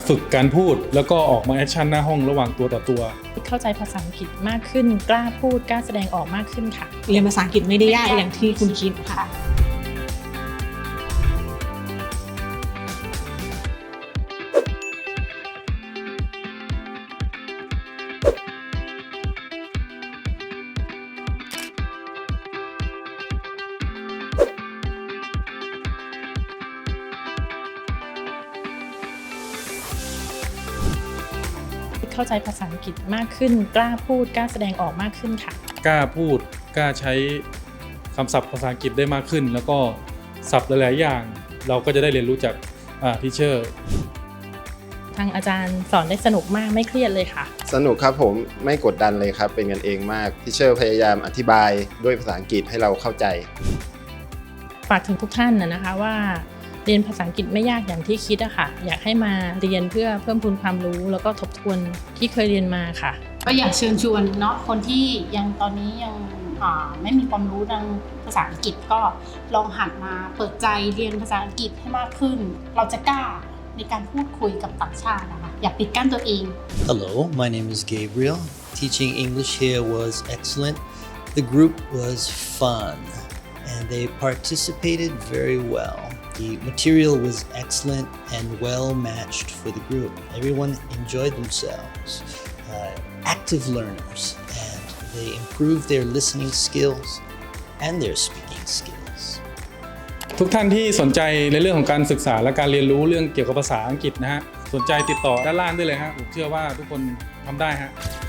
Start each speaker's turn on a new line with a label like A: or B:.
A: ฝึกการพูดแล้วก็ออกมาแอคชั่นหน้าห้องระหว่างตัวต่อตัว
B: เข้าใจภาษาอังกฤษมากขึ้นกล้าพูดกล้าแสดงออกมากขึ้นค่ะ
C: เรียนภาษาอังกฤษไม่ได้ยากอย่างที่คุณคิดค่ะ
B: เข้าใจภาษาอังกฤษมากขึ้นกล้าพูดกล้าแสดงออกมากขึ้นค่ะ
A: กล้าพูดกล้าใช้คำศัพท์ภาษาอังกฤษได้มากขึ้นแล้วก็ศัพท์หลายๆอย่างเราก็จะได้เรียนรู้จากทีเชอร์
B: ทางอาจารย์สอนได้สนุกมากไม่เครียดเลยค่ะ
D: สนุกครับผมไม่กดดันเลยครับเป็นกันเองมากทีเชอร์พยายามอธิบายด้วยภาษาอังกฤษให้เราเข้าใจ
B: ฝากถึงทุกท่านนะคะว่าเรียนภาษาอังกฤษไม่ยากอย่างที่คิดอะค่ะอยากให้มาเรียนเพื่อเพิ่มพูนความรู้แล้วก็ทบทวนที่เคยเรียนมาค่ะ
E: ก็อยากเชิญชวนเนาะคนที่ยังตอนนี้ยังไม่มีความรู้ทางภาษาอังกฤษก็ลองหันมาเปิดใจเรียนภาษาอังกฤษให้มากขึ้นเราจะกล้าในการพูดคุยกับต่างชาตินะคะอย่าปิดกั้นตัวเอง
F: Hello, my name is Gabriel. Teaching English here was excellent. The group was fun and they participated very well.The material was excellent and well matched for the group. Everyone enjoyed themselves, active learners, and they improved their listening skills and their speaking skills.
A: ทุกท่านที่สนใจในเรื่องของการศึกษาและการเรียนรู้เรื่องเกี่ยวกับภาษาอังกฤษนะฮะสนใจติดต่อด้านล่างได้เลยฮะผมเชื่อว่าทุกคนทำได้ฮะ